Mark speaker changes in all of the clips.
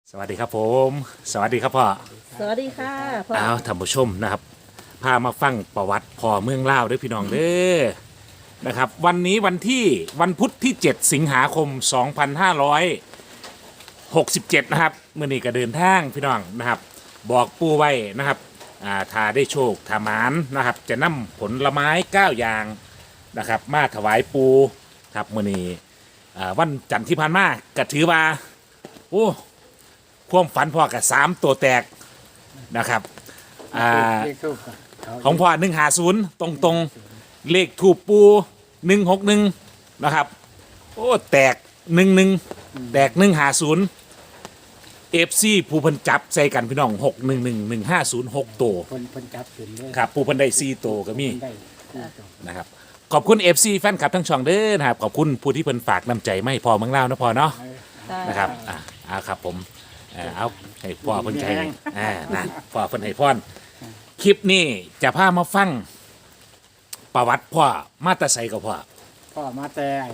Speaker 1: สวัสดีครับผมสวัสดีครับพ่อ
Speaker 2: สวัสดีค่ะพ่อ
Speaker 1: อ้าวท่านผู้ชมนะครับพามาฟังประวัติพ่อเมืองลาวด้วยพี่น้องเด้อนะครับวันนี้วันพุธที่7สิงหาคม2567นะครับเมื่อนี้ก็เดินทางพี่น้องนะครับบอกปู่ไว้นะครับถ้าได้โชคถ้าหมานนะครับจะนำผลไม้9อย่างนะครับมาถวายปู่ครับเมื่อนี้วันจันทร์ที่ผ่านมาก็ถือว่าโอ้ความฝันพ่อกับ3ตัวแตกนะครับ
Speaker 3: เลขทูปเขา
Speaker 1: ของพ่อ150ตรงเลขถูกปู161นะครับโอ้แตก11แตก150เอฟซีผู้เพันจับใส่กันพี่น้อง611150 ตัว
Speaker 3: คนจับถึงเลย
Speaker 1: ครับผู้เพันได้4ตัวก็มี
Speaker 3: ได้สี่ตัว
Speaker 1: นะครับขอบคุณ FC แฟนคลับทั้งช่องเด้อนะครับขอบคุณผู้ที่เพิ่นฝากน้ำใจไม่พอเมืองลาวนะพอเนาะ นะครับครับผมเอาให้พ่อเพิ่นใจนั่นพ่อเพิ่นให้พรคลิปนี้จะพามาฟังประวัติพ่อมาแตาไสกับพ่อ
Speaker 3: พ่อมาแต่ไอ้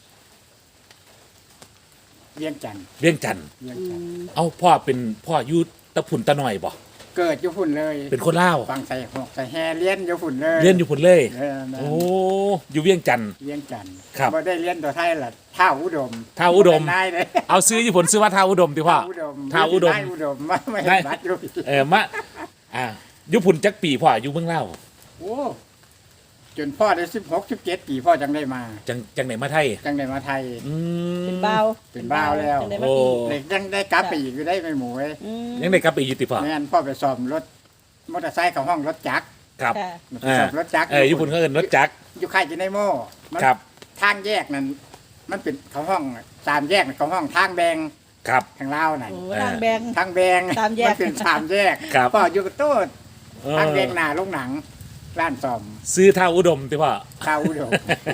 Speaker 3: เวียงจันทน์
Speaker 1: เวียงจันทน์
Speaker 3: เวียงจันทน์
Speaker 1: เอาพ่อเป็นพ่ออยู่ตะพุ่นตะหน่อยบ่
Speaker 3: เกิดอยู่ฝุ่นเลย
Speaker 1: เป็นคนลาว
Speaker 3: ฟังใส่หอกใส่แฮเลี้ยนอยู่ฝุ่นเลย
Speaker 1: เรียนอยู่พุ่นเลย
Speaker 3: เออนั่น
Speaker 1: โอ้อยู่เวียงจันทน์
Speaker 3: เวียงจันทน์
Speaker 1: ครับ
Speaker 3: บ่ได้เลี้ยนตัวไทยล่ะท่าอุดม
Speaker 1: ท่าอุดม
Speaker 3: เป็นนายเลย
Speaker 1: เอาซื้ออยู่พุ่นซื้อว่าท้าวอุดมติพ่อ ท่าอุดม
Speaker 3: นายอุดมไม่
Speaker 1: ได้
Speaker 3: บัตรอยู่พี่
Speaker 1: มาอยู่พุ่นจักปีพ่ออยู่เมืองลาว
Speaker 3: โอ้จนพ่อได้16 17 ปีพ่อจังได้มา
Speaker 1: จังไหนมาไทย
Speaker 3: จังได้มาไทย
Speaker 1: อืม
Speaker 2: เป็นบ้าว
Speaker 3: เป็นบ้าวแล้ว
Speaker 2: จังได้มา
Speaker 1: โอ้
Speaker 2: อีก
Speaker 3: เด็กยังได้กลับไปอีกอยู่ได้ไม่หมูเว้ย
Speaker 2: อืม
Speaker 1: ยังได้กลับไปอยู่ติพ่อ
Speaker 3: แม่นพ่อไปซ่อมรถมอเตอร์ไซค์ของห้องรถจักร
Speaker 1: ครับ
Speaker 2: ค่ะ
Speaker 3: ซ่อมรถจักร
Speaker 1: อยู่พุ่นเขาเอิ้นรถจักร
Speaker 3: อยู่ค่ายจินไนโม่มัน
Speaker 1: ครับ
Speaker 3: ทางแยกนั้นมันเป็นของห้อง3 แยกของห้องทางแบง
Speaker 1: ครับ
Speaker 3: ทางลาวนั่น
Speaker 2: โอ้รางแบง
Speaker 3: ทางแบง
Speaker 2: สามแยก
Speaker 3: มันเป็น3 แยก
Speaker 1: ครับ
Speaker 3: พ่ออยู่กับโต๊ด
Speaker 1: เออ
Speaker 3: ทางแบงหน้าโรงหนังร้านซ่อม
Speaker 1: ซื้อท่าอุดมติพ่อ
Speaker 3: ข้าวอุดม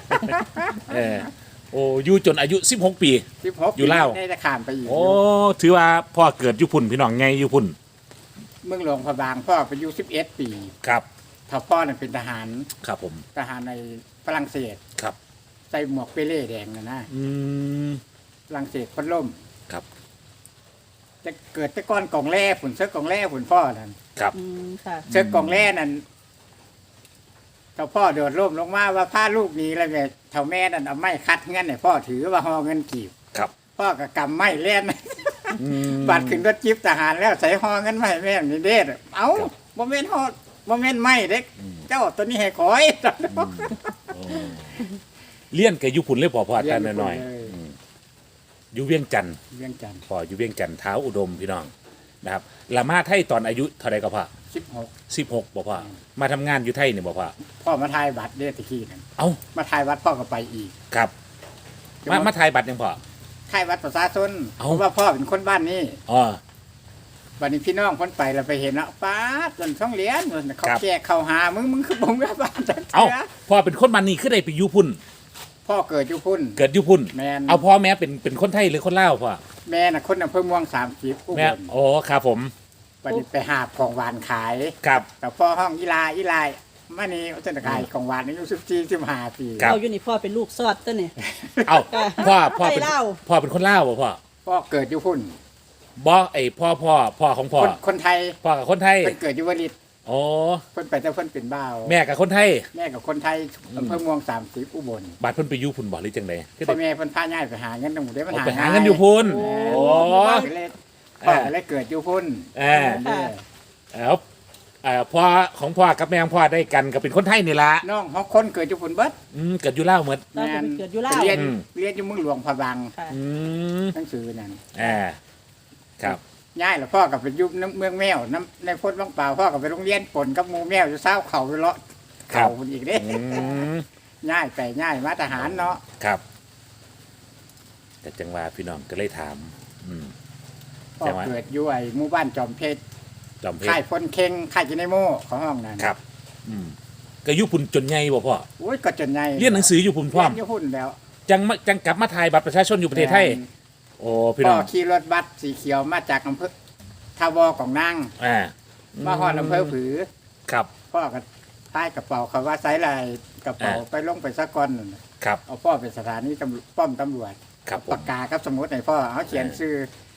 Speaker 1: โอ้อยู่จนอายุ16 ปี
Speaker 3: 16
Speaker 1: อยู่ลาว
Speaker 3: ได้จะข้ามไปอีก
Speaker 1: โอ้ถือว่าพ่อเกิดอยู่พุ่นพี่น้องไงอยู่พุ่น
Speaker 3: เมืองหลวงพระบางพ่อไปอยู่11 ปี
Speaker 1: ครับ
Speaker 3: ถ้าพ่อน่ะเป็นทหาร
Speaker 1: ครับผม
Speaker 3: ทหารในฝรั่งเศส
Speaker 1: ครับ
Speaker 3: ใส่หมวกเปเล่แดงนะ
Speaker 1: อืม
Speaker 3: ฝรั่งเศสคนล่ม
Speaker 1: ครับ
Speaker 3: จะเกิดแต่ก้อนกองแร่ผุนเสื้อกองแร่ผุนพ่อนั่น
Speaker 1: ครับ
Speaker 2: อืมค่ะ
Speaker 3: เสื้อกองแร่นั่นเจ้าพ่อโดดร่มลงมาว่าพาลูกหนีแล้วแม่เท่าแม่นั่นเอาไม้คัดเงินให้พ่อถือว่าห่อเงินกีบ
Speaker 1: ครับ
Speaker 3: พ่อก็กำไม้เล่น
Speaker 1: อืม
Speaker 3: บัดขึ้นรถจิ๊บทหารแล้วใส่ห่อเงินมาให้แม่นี่เด้อเอ้า
Speaker 1: ครับ
Speaker 3: บ่แม่นห่อบ่แม่นไม้เด็กเจ้าตัวนี้ให้ขอย
Speaker 1: โอ้เลี้ยนกับอยู่พุ่นเลยพ่ออาจารย์หน่อย
Speaker 3: เรีน
Speaker 1: ๆอืมอยู่เวียงจันทน์
Speaker 3: เวียงจันทร์
Speaker 1: พ่ออยู่เวียงจันทน์เท้าอุดมพี่น้องนะครับละมาไทยตอนอายุเท่าไรก็พ่อ
Speaker 3: 16
Speaker 1: 16บ่พ่อมาทำงานอยู่ไทยนี่บ่พ่อ
Speaker 3: พ่อมาทายบัตรเด้อตะกี้นั่น
Speaker 1: เอ้า
Speaker 3: มาทายวัดพ่อก็ไปอีก
Speaker 1: ครับมาถ่ายบัตรยังพ่อ
Speaker 3: ทายวัดประชาชน
Speaker 1: เอ้า
Speaker 3: เพราะว่าพ่อเป็นคนบ้านนี้
Speaker 1: อ๋อ
Speaker 3: วันนี้พี่น้องคนไปเราไปเห็นแล้วป้าดจนช่องเหรียญเขา
Speaker 1: ครับ
Speaker 3: แจกเขาหามึงคือบ่งแม่บ้านจัง
Speaker 1: เอ้า
Speaker 3: เสีย
Speaker 1: พ่อเป็นคนมันนี่คือได้ไปอยู่พุ่น
Speaker 3: พ่อเกิดอยู่พุ่น
Speaker 1: เกิดอยู่พุ่น
Speaker 3: แม่น
Speaker 1: เอาพ่อแม่เป็นคนไทยหรือคนลาวพ่อ
Speaker 3: แม่น่ะคนอำเภอม่วง30อุบ
Speaker 1: แม่
Speaker 3: ล
Speaker 1: โอ้ครับผม
Speaker 3: วันนี้ไปหาบของหวานขาย
Speaker 1: ครับ
Speaker 3: กับพ่อห้องอีลามานี่เส้นขายของหวานอายุ14 15 ปี
Speaker 1: ครับ
Speaker 2: เราอยู่นี่พ่อเป็นลูกซอดตัวนี่
Speaker 1: เอา
Speaker 2: ค่ะ
Speaker 1: พ่อเป็น
Speaker 2: ไทยลาว
Speaker 1: พ่อเป็นคนลาวบ่พ่อ
Speaker 3: พ่อเกิดอยู่พุ่น
Speaker 1: บ่ไอพ่อของพ่อ
Speaker 3: คนไทย
Speaker 1: พ่อกับคนไทย
Speaker 3: เพิ่นเกิดอยู่วลิต
Speaker 1: โอ้
Speaker 3: เพิ่นไปแต่เพิ่นเป็นบ่าว
Speaker 1: แม่กับคนไทย
Speaker 3: แม่กับคนไทยอำเภอม่วง30อุบล
Speaker 1: บัตรเพิ่นไปอยู่พุ่นบ่หรือจังไดคือ
Speaker 3: พ่อ
Speaker 1: ได้
Speaker 3: แม่เพิ่นพาย้ายไปหาเงินตรงหมู่ได้มัน
Speaker 1: เอา
Speaker 3: หา
Speaker 1: ไปหาเงินอยู่พุ่น
Speaker 3: โอ้
Speaker 1: โอ้
Speaker 3: ก็เลยพ่อก็เลยเกิดอยู่พุ่น
Speaker 1: เออ
Speaker 3: เด้อ
Speaker 1: เอาพ่อของพ่อกับแม่ของพ่อได้กันก็เป็นคนไทยนี่ล่ะ
Speaker 3: น้องของคนเกิดอยู่พุ่นเบิด
Speaker 1: เกิดอยู่ลาวหมด
Speaker 2: เราเป็นเกิดอยู่ลาว
Speaker 3: เรียน
Speaker 1: อืม
Speaker 3: เรียนอยู่เมืองหลวงพระบาง
Speaker 2: ค่ะ
Speaker 1: อืม
Speaker 3: หนังสือนั่น
Speaker 1: ครับ
Speaker 3: ย้ายแล้วพ่อก็ไปอยู่น้ำเมืองแมวน้ำในพ้นบางเปล่าพ่อก็ไปโรงเรียนปนกับหมู่แมวอยู่เศร้าเขาไปเลาะ
Speaker 1: ครั
Speaker 3: เขา
Speaker 1: บ
Speaker 3: พุ่นอีกเด้
Speaker 1: อืม
Speaker 3: ย้ายไปย้ายมาทหารเนาะ
Speaker 1: ครับ แต่จังหวะพี่น้องก็เลยถาม อืม
Speaker 3: พ่อ
Speaker 1: ใช่ไหม
Speaker 3: เกิดอยู่ไอ้หมู่บ้านจอมเพชร
Speaker 1: จอมเพช
Speaker 3: ค่าย
Speaker 1: ร
Speaker 3: พลเค็งค่ายจินไนโม่ของห้องนั้น
Speaker 1: ครับ อืมก็อยู่พุ่นจนใหญ่บ่พ่อ
Speaker 3: โอ้ยก็จนไง
Speaker 1: เรียนหนังสืออยู่พุ่นพร้อม
Speaker 3: เรียนอยู่พุ่นแล้ว
Speaker 1: จังกลับมาถ่ายบัตรประชาชนอยู่ประเทศไทย โอ้พี่
Speaker 3: พ่
Speaker 1: น้
Speaker 3: อ
Speaker 1: อง
Speaker 3: ขี่รถบัสสีเขียวมาจากอำเภอทาวอของนาง
Speaker 1: อ่า
Speaker 3: มาฮอดอำเภอผือ
Speaker 1: ครับ
Speaker 3: พ่อก็ใต้กระเป๋าเขาว่าไซส์ลายกระเป๋าไปลงไปสักก้อนนั่นน่ะ
Speaker 1: ครับ
Speaker 3: เอาพ่อไปสถานีป้อมตำรวจ
Speaker 1: ครับผ
Speaker 3: ปาม กกากับสมุดให้พ่อเอาเขียนชื่อ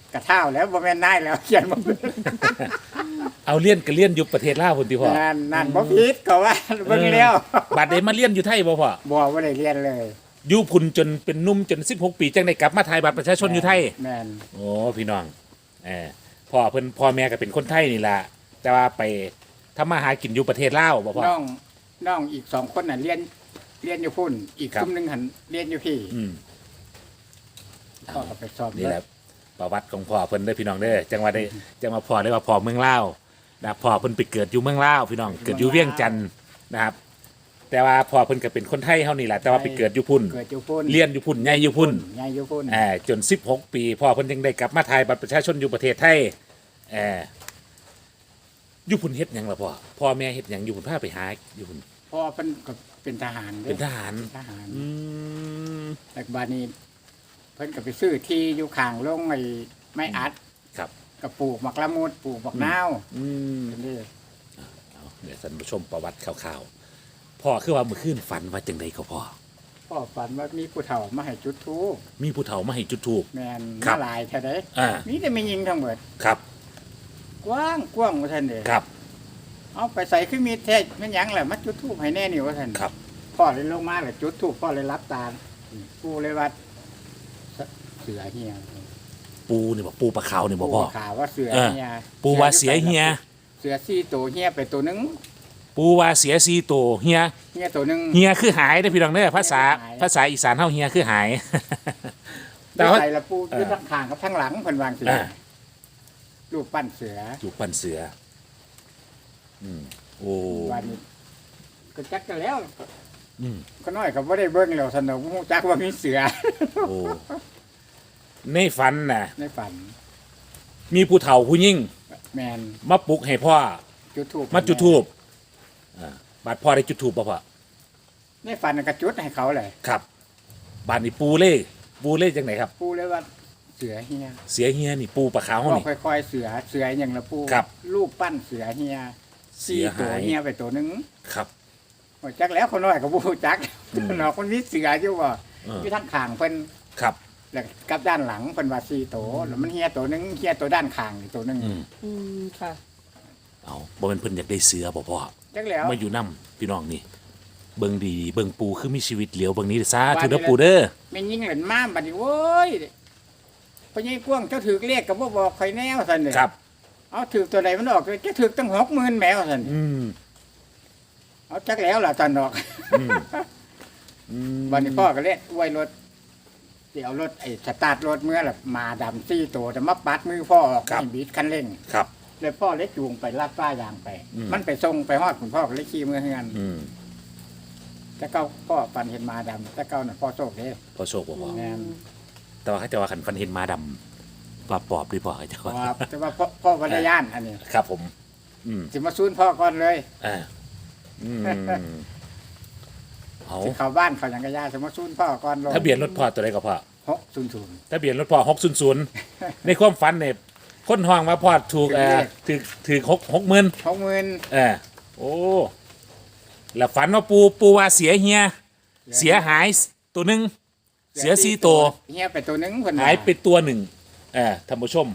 Speaker 3: กระเท่าแล้วบ่แม่นนายแล้วเขียนบ่เป็น
Speaker 1: เอาเลี้ยนก็เลี้ยนอยู่ประเทศลาวพุ่นติพ่อ
Speaker 3: นั่นบ่ผิดก็ว่าเบิ่งแล้ว
Speaker 1: บัดนี้มาเลี้ยนอยู่ไทยบ่พ่อ
Speaker 3: บ่ได้เรียนเลย
Speaker 1: อยู่พุ่นจนเป็นหนุ่มจน16 ปีจังได้กลับมาถ่ายบัตรประชาชนอยู่ไทย
Speaker 3: แม่น
Speaker 1: โอ้พี่น้องพ่อแม่ก็เป็นคนไทยนี่ล่ะแต่ว่าไปทำมาหากินอยู่ประเทศลาวบ่พ่อ
Speaker 3: น้องอีก2คนน่ะเรียนอยู่พุ่นอีก
Speaker 1: ครับ
Speaker 3: กลุ่มหนึงหันเรียนอยู่พี่
Speaker 1: อืม
Speaker 3: พ่อก็ไปสอบ
Speaker 1: นี่แหละประวัติของพ่อเพิ่นเด้อพี่น้องเด้อจังว่าได้จังว่าพ่อได้ว่าพ่อเมืองลาวนะพ่อเพิ่นไปเกิดอยู่เมืองลาวพี่น้องเกิดอยู่เวียงจันทน์นะครับ แต่ว่าพ่อเพิ่นก็เป็นคนไทยเฮานี่แหละแต่ว่าไปเกิดอยู่พุ่น
Speaker 3: เกิดอยู่พุ่น
Speaker 1: เรียนอยู่พุ่นใหญ่อยู่พุ่น
Speaker 3: ใหญ่อยู่พุ่น
Speaker 1: จน16 ปีพ่อเพิ่นยังได้กลับมาถ่ายบัตรประชาชนอยู่ประเทศไทยอยู่พุ่นเฮ็ดหยังล่ะพ่อแม่เฮ็ดหยังอยู่พุ่นพาไปหาอยู่พุ่น
Speaker 3: พ่อเพิ่นก็เป็นทหารด้
Speaker 1: เป็นทหาร
Speaker 3: ทหาร
Speaker 1: อืม
Speaker 3: แต่บัดนี้เพิ่นก็ไปซื้อที่อยู่ข้างโรงไอ้ไม้อัด
Speaker 1: ครับ
Speaker 3: ก็ปลูกหมักละมุดปลูกหมักนาว
Speaker 1: อืม
Speaker 3: นี่
Speaker 1: เอาเดี๋ยวท่านผู้ชมประวัติคร่าวๆพ่อคือว่าเมื่อคืนฝันว่าจังไดก็พ่อ
Speaker 3: พ่อฝันว่ามีผู้เฒ่ามาให้จุดธูป
Speaker 1: มีผู้เฒ่ามาให้จุดธูป
Speaker 3: แม่น
Speaker 1: ครับ
Speaker 3: มาหลายเท่าใด
Speaker 1: อ่า
Speaker 3: มีแต่ไม่ยิงทั้งหมด
Speaker 1: ครับ
Speaker 3: กว้างกว้างว่าท่านเด้
Speaker 1: ครับ
Speaker 3: เอาไปใส่คือมีแท้แม่นหยังแหละมาจุดธูปให้แน่นี่ว่าท่าน
Speaker 1: ครับ
Speaker 3: พ่อเลยลงมาแล้วจุดธูปพ่อเลยรับตาปู่เลยว่าเสือเฮีย
Speaker 1: ปูนี่บอกปูปลาขาวนี่บอกพ่อ
Speaker 3: ข่าวว่าเสือเฮีย
Speaker 1: ปูว่าเสียเฮีย
Speaker 3: เสือ4ตัวเฮียไปตัวหนึง
Speaker 1: ปูว่าเสียซีโตวเฮีย
Speaker 3: เฮียตัวหนึง
Speaker 1: เฮียคือหายได้อพี่น้องเด้อภาษา
Speaker 3: หาย
Speaker 1: ภาษาอีสานเฮาเฮียคือหาย แต่
Speaker 3: แต่
Speaker 1: ว่า
Speaker 3: ใส่ละปูอยู่ทั้งข้างกับทั้งหลังเพิ่นวางเสือ
Speaker 1: อ่า
Speaker 3: รูปปั้นเสือ
Speaker 1: อยู่ปั้นเสือโอ้
Speaker 3: วันนี้ก็จักกันแล้ว
Speaker 1: อืม
Speaker 3: ก็น้อยก็บ่ได้เบิ่งแล้วสนุกฮู้จักว่ามีเสือ
Speaker 1: โอ้ในฝันน่ะ
Speaker 3: ในฝัน
Speaker 1: มีผู้เฒ่าผู้ยิ่ง
Speaker 3: แมน
Speaker 1: มาปลุกให้พ่อ
Speaker 3: จุดทูบ
Speaker 1: มาจุดธูปบาดพ่อได้จุดธูปป่ะพ่อ
Speaker 3: ในฝันน่ะก็จุดให้เขาเลย
Speaker 1: ครับบาดนี่ปูเล่จังไหนครับ
Speaker 3: ปูเลยว่าเสือเฮีย
Speaker 1: เสียเฮียนี่ปูปลาขาว
Speaker 3: ก็
Speaker 1: นี่
Speaker 3: ค่อยๆเสืออย่างละปู
Speaker 1: ครับ
Speaker 3: รูปปั้นเสือเฮีย
Speaker 1: เสียหาย
Speaker 3: 4ตัวเฮียไปตัวหนึง
Speaker 1: ครับ
Speaker 3: โอ้จักแล้วคนน้อยก็บ่ฮู้จักนอกคนมีเสืออยู่ว่า
Speaker 1: เออ
Speaker 3: อยู่ทางข้างเพิ่น
Speaker 1: ครับ
Speaker 3: แล้วกับด้านหลังเพิ่นว่า4ตัวแล้วมันเฮียตัวหนึงเฮียตัวด้านข้างอีกตัวหนึง
Speaker 1: อืม
Speaker 2: อืมค่ะ
Speaker 1: เอาบ่เป็นเพิ่นอยากได้เสือบ่พ่อ
Speaker 3: จักแล้ว
Speaker 1: มาอยู่นํพี่น้องนี่ เบิ่งดีเบิ่งปูคือมีชีวิตเหลียวเบิ่งนี้ซะ
Speaker 3: ว่า
Speaker 1: ถือ
Speaker 3: นี่
Speaker 1: เด้อ
Speaker 3: แหละ
Speaker 1: ปูเด้อ
Speaker 3: แม่นยิงเหรียญมาบัดนี้โว้ยพ่อใหญ่กวางเจ้าถือเลขก็บ่บอกใครแน่ว่าซั่นเด้
Speaker 1: ครับ
Speaker 3: เอาถือตัวใดมันออกเลยจะถือตั้ง60,000แมวซั่น
Speaker 1: อืม
Speaker 3: เอาจักแล้วล่ะซั่นดอก
Speaker 1: อืมอืม
Speaker 3: วันนี้พ่อก็เล่นอวยรถเดี๋ยวรถไอ้สตาร์ทรถเมื่อล่ะมาดำซี่ตัวจะมาปัดมือพ่อออกให้บีดคันเร่ง
Speaker 1: ครับ
Speaker 3: เลยพ่อเลยจูงไปลาดฟ้ายางไป
Speaker 1: อืม
Speaker 3: มันไปส่งไปฮอดคุณพ่อก็เลยขี่มือเฮือน
Speaker 1: อืม
Speaker 3: แต่เก้าพ่อปันเห็นมาดำแต่เก้าน่ะพ่อโชคเด้
Speaker 1: พอโชคบ่พ่อ
Speaker 3: แม่น
Speaker 1: แต่ว่าเขาจะว่าคันฟันเห็นม้าดำว่าปอบดีพ่อเขาจะ
Speaker 3: เพราะ
Speaker 1: ว่า
Speaker 3: ว่าแต่ว่าพ่อวัดยานอันนี้
Speaker 1: ครับผม อืม
Speaker 3: สิมาซูนพ่อก่อนเลย
Speaker 1: อ่าอืมเอา
Speaker 3: สิเข้าบ้านเขาหยังกะยาสิมาซูนพ่อก่อนลง
Speaker 1: ทะเบียนรถพ่อตัวใดก็พ่อ
Speaker 3: 600
Speaker 1: ทะเบียนรถพ่อ600 ในความฝันเนี่ยคนห้องมาพ่อถูกถูก60,000
Speaker 3: 60,000
Speaker 1: โอ้แล้วฝันว่าปูว่าเสียเฮีย เสียหายตัวหนึ่งเสีย4ตัว
Speaker 3: เฮียไปตัวหนึงเพิ่นว่
Speaker 1: หายไปตัวหนึ่งท่านผู้ชม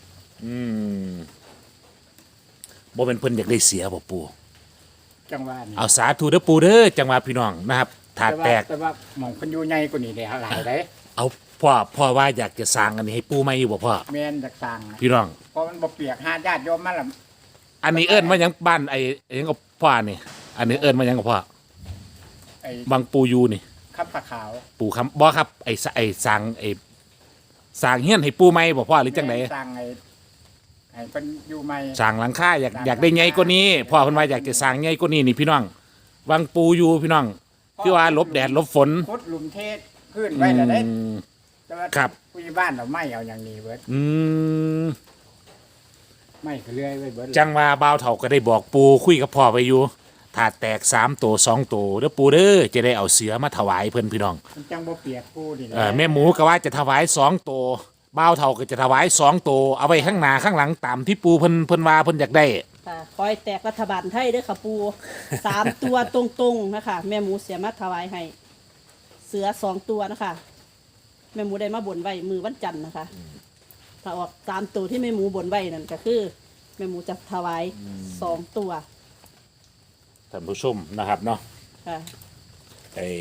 Speaker 1: บ่เป็นเพิ่นอยากได้เสียบ่ปู
Speaker 3: จังหวะนี้
Speaker 1: เอาสาธุเด้อปูเด้อจังหวะพี่น้องนะครับถาดแตก
Speaker 3: แต่ว่าหม่องเพิ่นอยู่ใหญ่กว่านี้ได้หลายเด้
Speaker 1: เอาพ่อว่าอยากจะสร้างอันนี้ให้ปูไหมอยู่บ่พ่อ
Speaker 3: แม่นจากสร้างนะ
Speaker 1: พี่น้อง
Speaker 3: เพราะมันบ่เปียกหาญาติโยมมาล่ะ
Speaker 1: อันนี้เอิ้นว่าหยังบ้านไอ้หยังกับพ่อนี่ อันนี้เอิ้นว่าหยังกับพ่อ
Speaker 3: ไอ้
Speaker 1: บางปูยูนี่
Speaker 3: ขับผ้าขาว
Speaker 1: ปูคำบ่ครับไอ้สร้างสร้างเฮียนให้ปูไหมบ่พ่อหรือจังได
Speaker 3: แม่นสร้างให้เพิ่นอยู่ใหม่
Speaker 1: สร้างหลังคาอยากได้ใหญ่กว่านี้พ่อเพิ่นว่าอยากจะสร้างใหญ่กว่านี้นี่พี่น้องวางปูอยู่พี่น้องคือว่าหลบแดดหลบฝน
Speaker 3: ขุดหลุมเทศพื้นไว้แล้วได้
Speaker 1: อืม
Speaker 3: แต่ว่า
Speaker 1: ครับ
Speaker 3: ผู้ใหญ่บ้านเราไม่เอาอย่างนี้เบิด
Speaker 1: อืม
Speaker 3: ไม่ก็เลื่อยไว้เบิด
Speaker 1: จังว่าบ่าวเฒ่าก็ได้บอกปูคุยกับพ่อไปอยู่ถ้าแตก3ตัว2ตัวเด้อปูเด้อจะได้เอาเสือมาถวายเพิ่นพี่น้อง
Speaker 3: มันจังบ่เปียกผู้นี่แหละ
Speaker 1: แม่หมูก็ว่าจะถวาย2ตัวบ่าวเฒ่าก็จะถวาย2ตัวเอาไว้ข้างหน้าข้างหลังตามที่ปูเพิ่นว่าเพิ่นอยากได้
Speaker 2: ค่ะคอยแตกรัฐบาลไทยเด้วยค่ะปู 3 ตัวตรงๆนะคะ แม่หมูเสียมาถวายให้ เสือ2 ตัวนะคะ แม่หมูได้มาบนไว้มือวันจันทร์นะคะถ้าออก3ตัวที่แม่หมูบนไว้นั่นก็คือแม่หมูจะถวาย2ตัว
Speaker 1: ท่านผู้ชมนะครับเนาะ
Speaker 2: ค่ะ
Speaker 1: ไอ้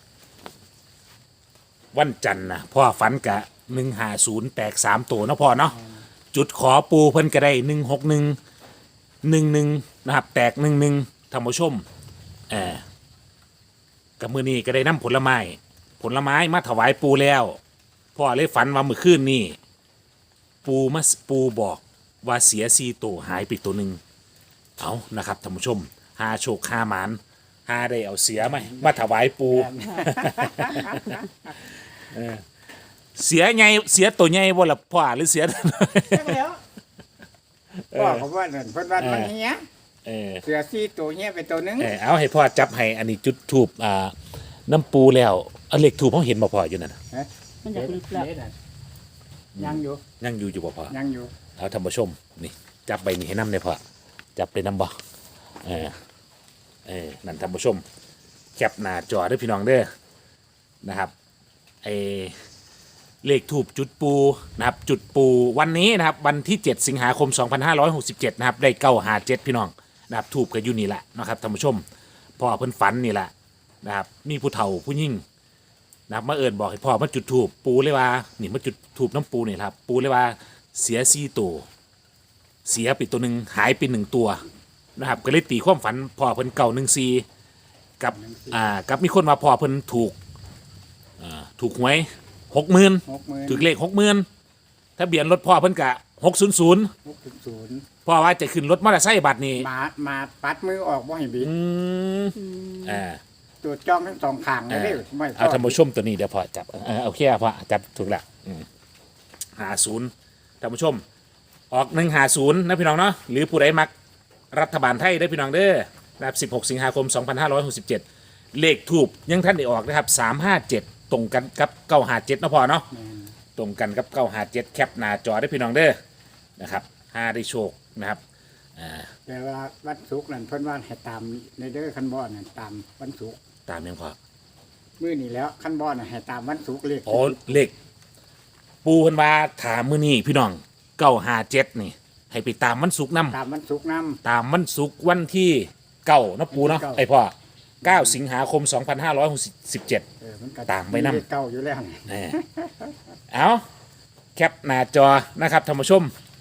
Speaker 1: วันจันทร์นะพ่อฝันกะ150แตก3ตัวเนาะพ่อเนาะจุดขอปูเพิ่นก็ได้16111นะครับแตก11ท่านผู้ชมกับมือนี้ก็ได้นำผลไม้มาถวายปูแล้วพ่อเลยฝันว่าเมื่อคืนนี้ปูบอกว่าเสีย4ตัวหายไปตัวหนึ่งเอานะครับท่านผู้ชมหาโชคหาหมานหาได้เอาเสียไหมมาถวายปู เสียไงเสียตัวใหญ่บ่ล่ะพ่อหรือเสีย
Speaker 3: จังแล้วพ่อเขาว่านั่นเพิ่นว่ามันเหี้ย
Speaker 1: เออ
Speaker 3: เสือซี่ตัวเหี้ยไปตัวหนึง
Speaker 1: เอาให้พ่อจับให้อันนี้จุดทูบน้ำปูแล้วเอาเลขทูบเขาเห็นบ่พ่ออยู่นั่นน่ะ
Speaker 2: มันอยากลึกแล้ว
Speaker 3: เด็ดน่ะยังอยู่
Speaker 1: ยังอยู่บ่พ่อ
Speaker 3: ยังอยู่
Speaker 1: เอาท่านผู้ชมนี่จับใบนี้ให้น้ำเลยพ่อจับไปน้ำบ่นั่นท่านผู้ชมแคปหน้าจอเด้อพี่น้องเด้อนะครับเลขทูบจุดปูนะครับจุดปูวันนี้นะครับวันที่ 7 สิงหาคม 2567นะครับได้957พี่น้องนะครับทูบก็อยู่นี่แหละนะครับท่านผู้ชมพ่อเพิ่นฝันนี่แหละนะครับมีผู้เฒ่าผู้ยิ่งนะครับมาเอิญบอกให้พ่อมาจุดทูบปูเลยว่านี่มาจุดทูบน้ำปูนี่ครับปูเลยว่าเสีย4ตัวเสียไปตัวหนึ่งหายไป1ตัวนะครับก็เลยตีความฝันพ่อเพิ่น914กับมีคนมาพ่อเพิ่นถูกหวย60,000 ถึงเลข60,000ถ้าเบียนรถพ่อเพิ่นกะ600
Speaker 3: 600
Speaker 1: พ่อว่าจะขึ้นรถมอเตอร์ไซค์บัตรนี่
Speaker 3: มาปัดมือออกบ่ให้บิด
Speaker 1: อ่า
Speaker 3: ตัวจ้องทั้งสองข้างเลยเด้อไม่พ
Speaker 1: เอาท่านผู้ชมตัวนี้เดี๋ยวพ่อจับโอเคพ่อจับถูกแล้ว50ท่านผู้ชมออก150นะพี่น้องเนาะหรือผู้ใดมักรัฐบาลไทยได้พี่น้องเด้อนะครับ16 สิงหาคม 2567 เลขทูบยังท่านได้ออกนะครับ357ตรงกันกับ957นะพ่อเนาะ
Speaker 3: แม่น
Speaker 1: ตรงกันกับ957แคปหน้าจอได้พี่น้องเด้อนะครับ5ได้โชคนะครับ
Speaker 3: แต่ว่าวันศุกร์นั่นเพิ่นว่าให้ตามในเด้อคันบ่นั่นตามวันศุกร์
Speaker 1: ตามยังพอ
Speaker 3: มื้อนี้แล้วคันบ่น่ะให้ตามวันศุกร์เลข
Speaker 1: โอ้เลขปูเพิ่นว่าถามมื้อนี้พี่น้อง957นี่ให้ไปตามวันศุกร์นำ
Speaker 3: ตามวันศุกร์นำ
Speaker 1: ตามวันศุกร์วันที่9นะปูเนาะ
Speaker 3: 9
Speaker 1: ไอพ่อ9 สิงหาคม 2567
Speaker 3: มันก็
Speaker 1: ตามไปนำ
Speaker 3: เลขเก่าอยู่แล้วนี่
Speaker 1: เอาแคปหน้าจอนะครับท่านผู้ชม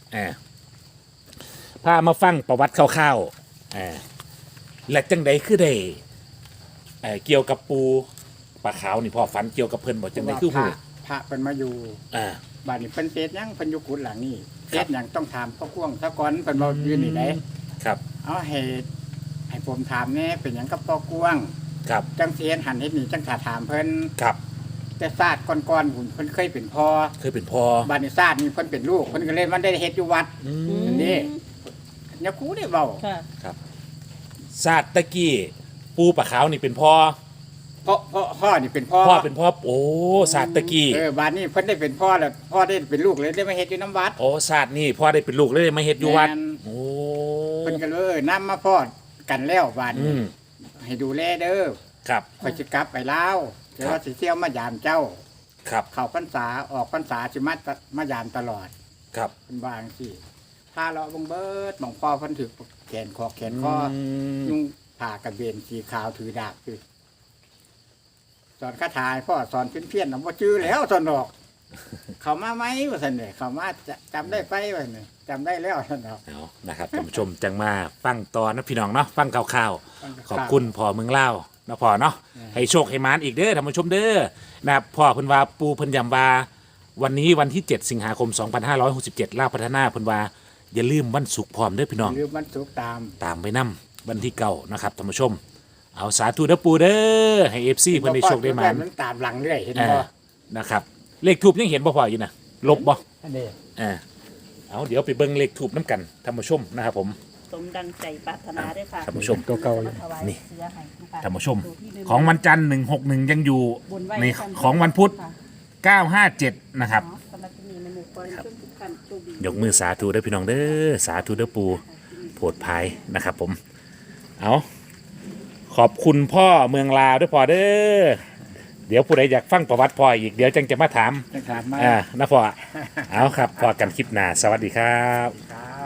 Speaker 1: พามาฟังประวัติคร่าวๆและจังใดคือได้เกี่ยวกับปูปลาขาวนี่พ่อฝันเกี่ยวกับเพิ่นบ่จังใดคือ
Speaker 3: พ
Speaker 1: หู
Speaker 3: ระเพิ่นมาอยู่
Speaker 1: อ่า
Speaker 3: บ้านนี้เพิ่นเฮ็ดหยังเพิ่นอยู่กุดหลังนี่เฮ็ดหยังต้องถามพ่อกวงซะก่อนเพิ่นบ่อยู่นี่ได้
Speaker 1: ครับ
Speaker 3: เอาให้ผมถามแน่เป็นหยังกับพ่อกวง
Speaker 1: ครับ
Speaker 3: จังสิเฮ็ดหันเฮ็ดนี่จังถ้าถามเพิ่น
Speaker 1: ครับ
Speaker 3: แต่ศาสตร์ก่อนๆหุ่นเพิ่นเคยเป็นพ่อ
Speaker 1: เคยเป็นพ่อ
Speaker 3: บ้านนี้ศาสตร์นี่เพิ่นเป็นลูกเพิ่นก็เลยมันได้เฮ็ดอยู่วัด นี่เนี่ยครูได้เว้า
Speaker 2: ค่ะ
Speaker 1: ศาสตร์ตะกี้ปูปลาขาวนี่เป็นพ่อ
Speaker 3: พ่อนี่เป็นพ่อ
Speaker 1: พ่อเป็นพ่อโอ้ศาสตร์ตะกี้
Speaker 3: บ้านนี้เพิ่นได้เป็นพ่อแล้วพ่อได้เป็นลูกเลยได้มาเฮ็ดอยู่น้ำวัด
Speaker 1: โอ้ศาสตร์นี่พ่อได้เป็นลูกเลยมาเฮ็ดอยู่วัด
Speaker 3: แม่น
Speaker 1: โอ้
Speaker 3: เพิ่นก็เลยนำมาพ่อกันแล้วบ้าน
Speaker 1: อื
Speaker 3: นี้
Speaker 1: ม
Speaker 3: ให้ดูแลเด้อ
Speaker 1: ครับ
Speaker 3: ข่อยสิกลับไปลาวเดี๋ยวว่าสิเที่ยวมายามเจ้า
Speaker 1: ครับ
Speaker 3: เข้าพรรษาออกพรรษาสิมายามตลอด
Speaker 1: ครับ
Speaker 3: เพิ่นว่าจังซี่พาเลาะเบิ่งเบิดหม่องพ่อเพิ่นถือแขนคอแขนคอ ยุ่งผ่ากระเบนสีขาวถือดาบคือสอนคาถาให้พ่อสอนเพี้ยนๆนะว่าจื้อแล้วสอนดอก เขามาไหมว่าสันเนี่ยเขามาจำได้ไปว่าเนี่ยจำได้แล้วสันดอก
Speaker 1: เอานะครับท่านผู้ชมจังมาฟังตอนนะพี่น้องเนาะฟังข่าวๆขอบคุณพ่อเมืองเล่าวนะพ่อเนาะให้โชคให้มานอีกเด้อท่านผู้ชมเด้อนะครับพ่อเพิ่นว่าปูเพิ่นยำว่าวันนี้วันที่ 7 สิงหาคม 2567ลาวพัฒนาเพิ่นว่าอย่าลืมวันศุกร์พร้อมเด้อพี่น้อง
Speaker 3: หรือมันสุกตาม
Speaker 1: ตามไปนํวันที่9นะครับท่านผู้ชม เอาสาธุเด้อปูเด้อให้ FC เพิ่นได้โชคได้หมาน
Speaker 3: มันตามหลังเรื่อยเห็น
Speaker 1: อ่า
Speaker 3: บ่
Speaker 1: นะครับเลขทูบยังเห็นบ่พ่ออยู่นะลบบ่
Speaker 3: อันนี้
Speaker 1: เอาเดี๋ยวไปเบิ่งเลขทูบน้ำกันท่านผู้ชมนะครับผม
Speaker 2: สมดังใจปรารถนาด้วยค่ะ
Speaker 1: ท่านผู้ชม
Speaker 3: ตัวเก่าเลย
Speaker 2: ถวาย
Speaker 1: นี่
Speaker 2: เสื้อให้นะคะ
Speaker 1: ท่านผู้ชม
Speaker 2: ดูที่
Speaker 1: ของวันจันทร์161ยังอยู่
Speaker 2: บนไว้
Speaker 1: ใน
Speaker 2: กัน
Speaker 1: ของวันพุธ
Speaker 2: ค่ะ
Speaker 1: 957นะครับ
Speaker 2: เนาะสำหรับที่นี่แม่หมูขอให้ทุกท่านโชคดี
Speaker 1: ยกมือสาธุเด้อพี่น้องเด้อสาธุเด้อปูโผดภายนะครับผมเอาขอบคุณพ่อเมืองลาวด้วยพ่อเด้อเดี๋ยวผู้ใดอยากฟังประวัติพ่ออีกเดี๋ยวจังจะมาถาม
Speaker 3: จะถามมา
Speaker 1: นะพ่อ เอาครับพอกันคลิปหน้าสวัสดีครับ
Speaker 3: ครับ